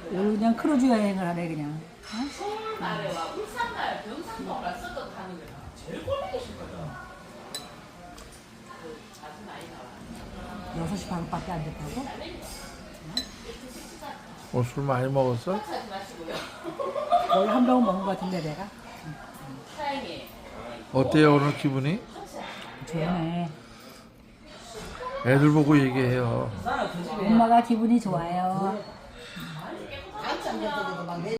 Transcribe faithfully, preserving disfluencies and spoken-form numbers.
그냥 크루즈 여행을 하래 그냥. 서울 날에와 울산 날 경상도 갔었던 가는 게 제일 꼴보기 싫거든. 아주 많이 나와. 여섯 시 반밖에 안 됐다고? 어, 술 많이 먹었어? 하지 마시고요. 거의 한 병은 먹은 것 같은데 내가. 사장님. 어때요 오늘 기분이? 좋네. 애들 보고 얘기해요. 엄마가 기분이 좋아요.